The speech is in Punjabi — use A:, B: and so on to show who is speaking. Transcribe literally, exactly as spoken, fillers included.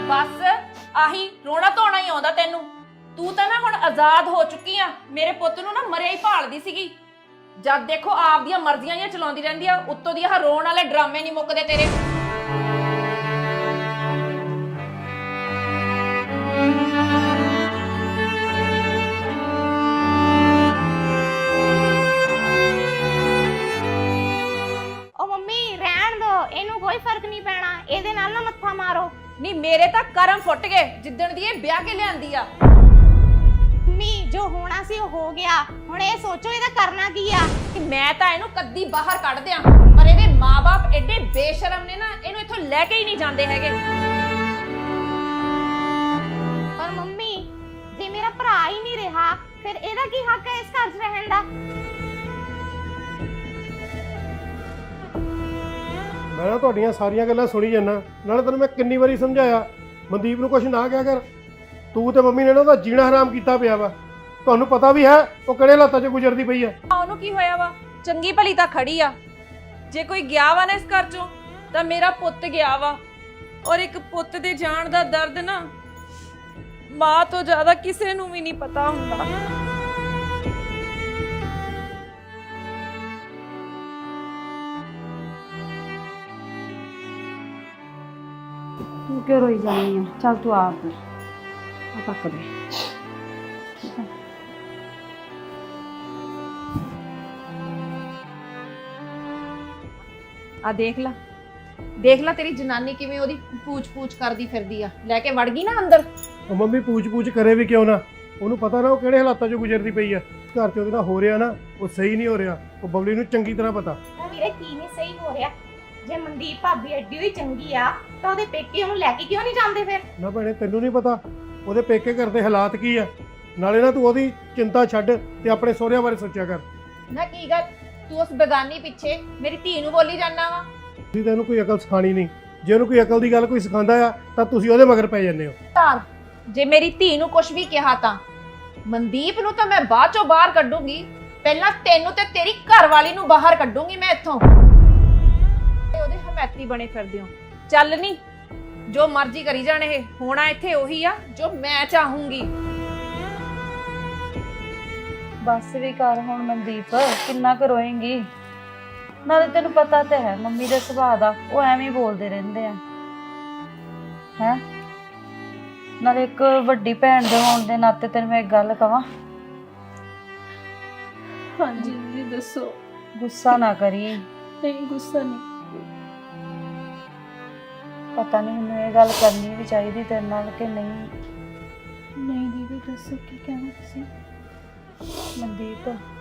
A: बस आही रोना धोना ही आउंदा तैनू। तू तां ना हुण आजाद हो चुकी आ। मेरे पुੱਤ ਨੂੰ ना मरिया ही भालदी सीगी। जद देखो आप दियां मर्जियां ही चलाउंदी रहिंदी आ, उत्तों दी आह रोण वाले ड्रामे नहीं मुक्कदे तेरे।
B: कोई फर्क नहीं पैना, ਇਹਦੇ ਨਾਲ ਨਾ ਮੱਥਾ ਮਾਰੋ।
A: नहीं मेरे ਤਾਂ ਕਰਮ ਫੁੱਟ ਗਏ ਜਿੱਦਣ ਦੀ ਇਹ ਵਿਆਹ ਕੇ ਲਿਆਂਦੀ ਆ।
B: ਮੰਮੀ ਜੋ ਹੋਣਾ ਸੀ ਉਹ ਹੋ ਗਿਆ, ਹੁਣ ਇਹ ਸੋਚੋ ਇਹਦਾ ਕਰਨਾ ਕੀ ਆ।
A: ਕਿ ਮੈਂ ਤਾਂ ਇਹਨੂੰ ਕੱਦੀ ਬਾਹਰ ਕੱਢ ਦਿਆਂ, ਪਰ ਇਹਦੇ ਮਾਪੇ ਐਡੇ ਬੇਸ਼ਰਮ ਨੇ ਨਾ, ਇਹਨੂੰ ਇੱਥੋਂ ਲੈ ਕੇ ਹੀ ਨਹੀਂ ਜਾਂਦੇ ਹੈਗੇ।
B: ਪਰ ਮੰਮੀ ਜੇ ਮੇਰਾ ਭਰਾ ਹੀ ਨਹੀਂ ਰਿਹਾ ਫਿਰ ਇਹਦਾ ਕੀ ਹੱਕ ਹੈ ਇਸ ਘਰ 'ਚ ਰਹਿਣ ਦਾ?
C: मैं ना तुहाडियां सारियां गल्लां सुनी जाना, नाले तैनूं मैं किन्नी वारी समझाया मनदीप नूं कुछ ना कहा कर। तू ते मम्मी ने ना ਉਹਦਾ जीना हराम कीता पिया वा। ਤੁਹਾਨੂੰ पता भी है ਉਹ ਕਿਹੜੇ ਹਾਲਾਤਾਂ 'ਚ ਗੁਜ਼ਰਦੀ ਪਈ ਆ।
A: ਉਹਨੂੰ ਕੀ ਹੋਇਆ ਵਾ? ਚੰਗੀ ਭਲੀ ਤਾਂ ਖੜੀ ਆ। ਜੇ ਕੋਈ ਗਿਆ ਵਾ ਨਾ ਇਸ ਘਰ 'ਚੋਂ ਤਾਂ ਮੇਰਾ ਪੁੱਤ ਗਿਆ ਵਾ। ਔਰ ਇੱਕ ਪੁੱਤ ਦੇ ਜਾਣ ਦਾ ਦਰਦ ਨਾ ਮਾਂ ਤੋਂ ਜ਼ਿਆਦਾ ਕਿਸੇ ਨੂੰ ਵੀ ਨਹੀਂ ਪਤਾ ਹੁੰਦਾ।
D: तू क्यों रोई जा रही है? चल तू आ फिर आ पक दे। ठीक है
A: ਆ ਦੇਖ ਲਾ ਦੇਖ ਲਾ ਤੇਰੀ ਜਨਾਨੀ ਕਿਵੇਂ ਉਹਦੀ ਪੂਛ ਪੂਛ ਕਰਦੀ ਫਿਰਦੀ ਆ। ਲੈ ਕੇ ਵੜ ਗਈ ਨਾ ਅੰਦਰ।
C: ਉਹ ਮੰਮੀ ਪੂਛ-ਪੂਛ ਕਰੇ ਵੀ ਕਿਉਂ ਨਾ, ਉਹਨੂੰ ਪਤਾ ਨਾ ਉਹ ਕਿਹੜੇ ਹਾਲਾਤਾਂ 'ਚ ਗੁਜ਼ਰਦੀ ਪਈ ਆ। ਘਰ 'ਚ ਉਹਦੇ ਨਾਲ ਹੋ ਰਿਹਾ ਨਾ ਉਹ ਸਹੀ ਨਹੀਂ ਹੋ ਰਿਹਾ। ਉਹ ਬਬਲੀ ਨੂੰ ਚੰਗੀ ਤਰ੍ਹਾਂ ਪਤਾ।
B: ਵੀਰੇ ਕੀ ਨਹੀਂ ਸਹੀ ਹੋ ਰਿਹਾ? ਜੇ ਮਨਦੀਪ ਭਾਬੀ ਐਡੀ ਹੋਈ ਚੰਗੀ ਆ ਤਾਂ ਉਹਦੇ ਪੇਕੇ ਉਹਨੂੰ ਲੈ ਕੇ ਕਿਉਂ ਨਹੀਂ ਜਾਂਦੇ ਫਿਰ?
C: ਨਾ ਭੈਣੇ ਤੈਨੂੰ ਨਹੀਂ ਪਤਾ ਉਹਦੇ ਪੇਕੇ ਘਰ ਦੇ ਹਾਲਾਤ ਕੀ ਆ। ਨਾਲੇ ਨਾ ਤੂੰ ਉਹਦੀ ਚਿੰਤਾ ਛੱਡ ਤੇ ਆਪਣੇ ਸਹੁਰਿਆਂ ਬਾਰੇ ਸੋਚਿਆ ਕਰ।
A: ਨਾ ਕੀ ਗੱਲ ਤੂੰ ਉਸ ਬੇਗਾਨੀ ਪਿੱਛੇ ਮੇਰੀ ਧੀ ਨੂੰ ਬੋਲੀ ਜਾਂਦਾ ਵਾ?
C: ਤੁਸੀਂ ਤੈਨੂੰ ਕੋਈ ਅਕਲ ਸਿਖਾਣੀ ਨਹੀਂ। ਜੇ ਉਹਨੂੰ ਕੋਈ ਅਕਲ ਦੀ ਗੱਲ ਕੋਈ ਸਿਖਾਉਂਦਾ ਆ ਤਾਂ ਤੁਸੀਂ ਉਹਦੇ ਮਗਰ ਪੈ ਜਾਂਦੇ ਹੋ।
A: ਧਾਰ ਜੇ ਮੇਰੀ ਧੀ ਨੂੰ ਕੁਝ ਵੀ ਕਿਹਾ ਤਾਂ ਮਨਦੀਪ ਨੂੰ ਤਾਂ ਮੈਂ ਬਾਅਦ ਚੋਂ ਬਾਹਰ ਕੱਢੂੰਗੀ। ਪਹਿਲਾਂ ਤੈਨੂੰ ਤੇ ਤੇਰੀ ਘਰਵਾਲੀ ਨੂੰ ਬਾਹਰ ਕੱਢੂੰਗੀ ਮੈਂ ਇੱਥੋਂ। ਉਹਦੇ ਹਮੈਤੀ ਬਣੇ ਫਿਰਦੇ ਹੋ। ਚੱਲ ਨਹੀਂ ਜੋ ਮਰਜ਼ੀ ਕਰੀ ਜਾਣ, ਇਹ ਹੋਣਾ ਇੱਥੇ ਉਹੀ ਆ ਜੋ ਮੈਂ ਚਾਹੂੰਗੀ।
D: बस भी कर हुण मनदीप, किन्ना क रोएंगी? नाले तेनू पता तो है मम्मी दे सुभाਅ दा, वो एवें ही बोलदे रहिंदे आ है। नाले एक वड्डी भैन दे होण दे नाते तेनू मैं एक गल कवां।
E: हाँ जी जी दसो।
D: गुस्सा ना करी।
E: नहीं गुस्सा नहीं।
D: पता नहीं मैनूं ये गल करनी भी चाहिदी तेरे नाल कि नहीं।
E: नहीं दीदी दसो की कहना तुसीं?
D: मनदीप